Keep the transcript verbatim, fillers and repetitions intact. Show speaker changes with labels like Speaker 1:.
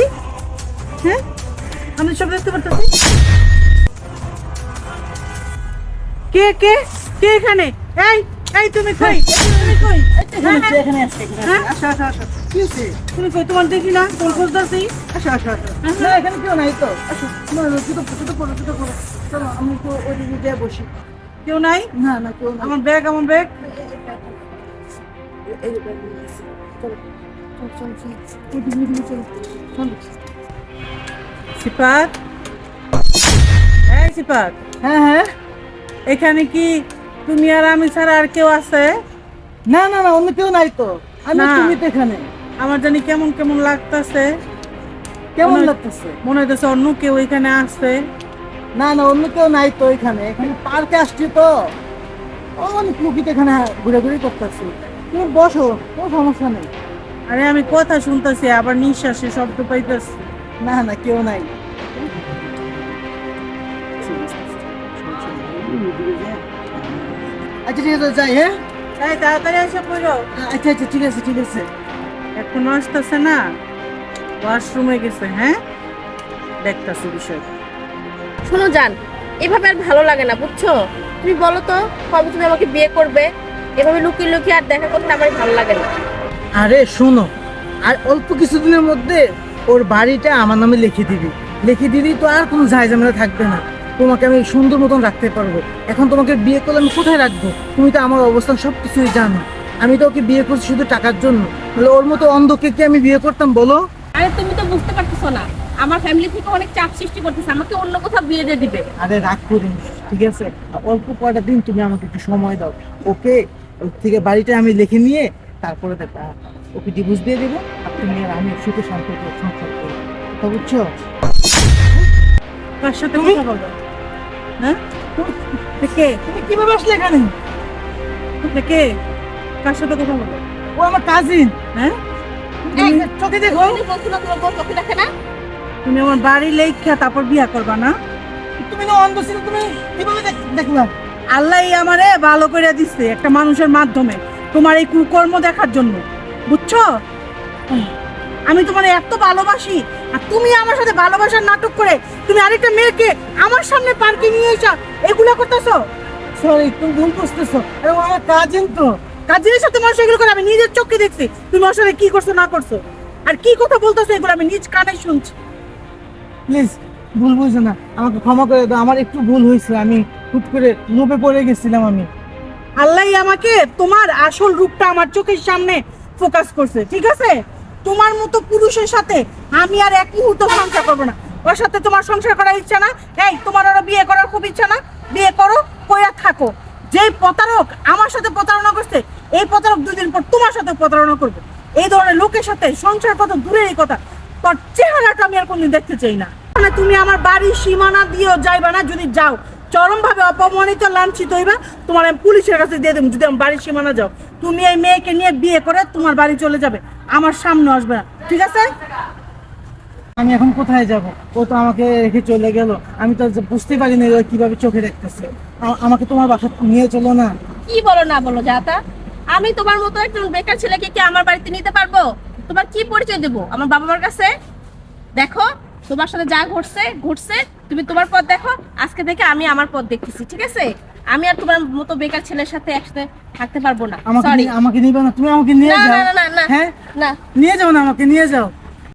Speaker 1: পারতাছি, হ্যাঁ আমি সব দেখতে পারতাছি। কে কে কে এখানে? এই এই তুমি কই? তুমি কই?
Speaker 2: এখানে আছে, এখানে আছে, এখানে
Speaker 1: হ্যাঁ?
Speaker 2: আছে। আসো, আসো, আসো। কি হয়েছে?
Speaker 1: তুমি কই? তোমার দেখি না, কোন খুঁজতাছি।
Speaker 2: আসো, আসো, আসো। না, এখানে কেউ নাই তো। আসো। না, না, জুতো জুতো পরো, জুতো পরো। চলো, আমি তো ওইদিকে যেয়ে বসি।
Speaker 1: কেউ নাই?
Speaker 2: না, না, কেউ নাই।
Speaker 1: আমার ব্যাগ, আমার ব্যাগ।
Speaker 2: এই যে ব্যাগ নিয়ে এসেছি। চলো, চলো, চলো, চলো। ওইদিকে, ওইদিকে চলো। চলো।
Speaker 1: সিফাত, এই সিফাত,
Speaker 2: হ্যাঁ, হ্যাঁ।
Speaker 1: এখানে কি তুমি আর আমি ছাড়া আর কেউ আছে?
Speaker 2: না, না, না, অন্য কেউ নাই তো। আমি
Speaker 1: না।
Speaker 2: তুমি তো এখানে।
Speaker 1: আমার জানি কেমন কেমন লাগতাছে।
Speaker 2: কেমন
Speaker 1: মনে-
Speaker 2: লাগতেছে?
Speaker 1: মনে হইতেছে অন্য কেউ এখানে আসছে।
Speaker 2: না, না, অন্য কেউ নাই তো এখানে। এখানে পার্কে আসছি তো। অনেক লোকই তো এখানে ঘুরাঘুরি করতেছি। তুমি বসো, কোনো সমস্যা নেই।
Speaker 1: আরে আমি কথা শুনতেছি, আবার নিঃশ্বাসে শব্দ পাইতেছি।
Speaker 2: না, না, কেউ নাই। আচ্ছা, ঠিক আছে, যাই, হ্যাঁ।
Speaker 1: এই তাড়াতাড়ি এসে পড়ো।
Speaker 2: আচ্ছা, আচ্ছা, ঠিক আছে, ঠিক আছে।
Speaker 1: এখনো আসতেছে না, ওয়াশরুমে গেছে। হ্যাঁ, দেখতাছি বিষয়।
Speaker 3: শোনো জান, এভাবে আর ভালো লাগে না বুঝছো। তুমি বলো তো কবে তুমি আমাকে বিয়ে করবে? এভাবে লুকিয়ে লুকিয়ে আর দেখা করতে আমার ভালো লাগে না।
Speaker 2: আরে শোনো, আর অল্প কিছুদিনের মধ্যে ওর বাড়িটা আমার নামে লিখে দিবি। লিখে দিলেই তো আর কোনো ঝামেলা থাকবে না। তোমাকে আমি সুন্দর মতন রাখতে পারবো। এখন তোমাকে বিয়ে করলে আমি কোথায় রাখবো? তুমি তো আমার অবস্থান সব কিছুই জানো। আমি তো ওকে বিয়ে করছি শুধু টাকার জন্য। তাহলে ওর মতো অন্ধকে কি আমি বিয়ে করতাম বলো?
Speaker 3: আরে তুমি তো বুঝতে পারতেছো না, আমার ফ্যামিলি থেকে অনেক চাপ সৃষ্টি করতেছে, আমাকে অন্য কোথাও বিয়ে দিয়ে দিবে।
Speaker 2: আরে রাগ করিস, ঠিক আছে? অল্প কয়টা দিন তুমি আমাকে একটু সময় দাও। ওকে ওর থেকে বাড়িটা আমি লিখে নিয়ে তারপরে দেখা ওকে ডিভোর্স দিয়ে দেবো। আর তুমি আর আমি সুখে সম্পর্ক সংসার করবো। তা বুঝছো?
Speaker 1: কার সাথে
Speaker 2: তুমি?
Speaker 1: কথা বলো? হ্যাঁ, কে
Speaker 2: তুমি কিভাবে আসলে এখানে?
Speaker 1: কে কার সাথে কথা বলো?
Speaker 2: ও আমার কাজিন।
Speaker 1: হ্যাঁ,
Speaker 3: এই,
Speaker 2: চোখে দেখো।
Speaker 3: তুমি বলছো না তোমার বউ চোখে দেখে না?
Speaker 1: তুমি আমার বাড়ি লেখা তারপর বিয়া করবা না?
Speaker 2: তুমি না অন্ধ ছিল, তুমি কিভাবে দেখ- দেখলা?
Speaker 1: আল্লাহ আমারে ভালো করে দিচ্ছে একটা মানুষের মাধ্যমে, তোমার এই কুকর্ম দেখার জন্য, বুঝছো? আমি তোমার এত ভালোবাসি, আর তুমি আমার সাথে ভালোবাসার নাটক করে তুমি আরেকটা মেয়েকে আমার সামনে পার্কে নিয়ে এসা এগুলো করতেছো।
Speaker 2: সরি, তুমি ভুল বুঝতেছো। আরে ও আমার কাজিন তো।
Speaker 1: কাজের সাথে মানুষ এগুলো করে আমি নিজের চোখে দেখছি, তুমি ওর সাথে কি করছো না করছো, আর কি কথা বলতেছো এগুলো আমি নিজ কানে শুনছি।
Speaker 2: প্লিজ ভুল বুঝো না, আমাকে ক্ষমা করে দাও। আমার একটু ভুল হয়েছে, আমি হুট করে লোভে পড়ে গেছিলাম আমি।
Speaker 1: আল্লাহ আমাকে তোমার আসল রূপটা আমার চোখের সামনে ফোকাস করছে, ঠিক আছে? তোমার মতো পুরুষের সাথে আমি আর এক মুহূর্ত সংসার করবো না। ওর সাথে তোমার সংসার করার ইচ্ছা না? এই তোমার ওরা বিয়ে করার খুব ইচ্ছা না? বিয়ে করো, কইরা থাকো। যেই প্রতারক আমার সাথে প্রতারণা করছে, এই প্রতারক দুদিন পর তোমার সাথে প্রতারণা করবে। এই ধরনের লোকের সাথে সংসার কত দূরের কথা, তোর চেহারাটা আমি আর কোনদিন দেখতে চাই না। মানে তুমি আমার বাড়ির সীমানা দিয়েও যাইবা না, যদি যাও চরম ভাবে অপমানিত লাঞ্ছিত হইবা। তোমার আমি পুলিশের কাছে দিয়ে দেবো যদি আমার বাড়ির সীমানা যাও। তুমি এই মেয়েকে নিয়ে বিয়ে করে তোমার বাড়ি চলে যাবে, আমার সামনে আসবে না, ঠিক আছে?
Speaker 2: আমি এখন কোথায় যাব? ও তো আমাকে রেখে চলে গেল। আমি তো বুঝতে পারি না ও কিভাবে চোখে দেখতেছে। আ- আমাকে তোমার বাসা নিয়ে চলো না।
Speaker 3: কি বলো না বলো যাতা, আমি তোমার মতো একজন বেকার ছেলেকে কি আমার বাড়িতে নিতে পারবো? তোমার কি পরিচয় দেবো আমার বাবা মার কাছে? দেখো তোমার সাথে যা ঘটছে ঘটছে, তুমি তোমার পথ দেখো, আজকে থেকে আমি আমার পথ দেখতেছি, ঠিক আছে? আমি আর তোমার মতো বেকার ছেলের সাথে একসাথে থাকতে পারবো না,
Speaker 2: আমাকে
Speaker 3: সরি।
Speaker 2: নিয়ে- আমাকে নিবে না, তুমি আমাকে নিয়ে
Speaker 3: না
Speaker 2: যাও।
Speaker 3: না না না
Speaker 2: হ্যাঁ,
Speaker 3: না
Speaker 2: নিয়ে যাও না, আমাকে নিয়ে যাও।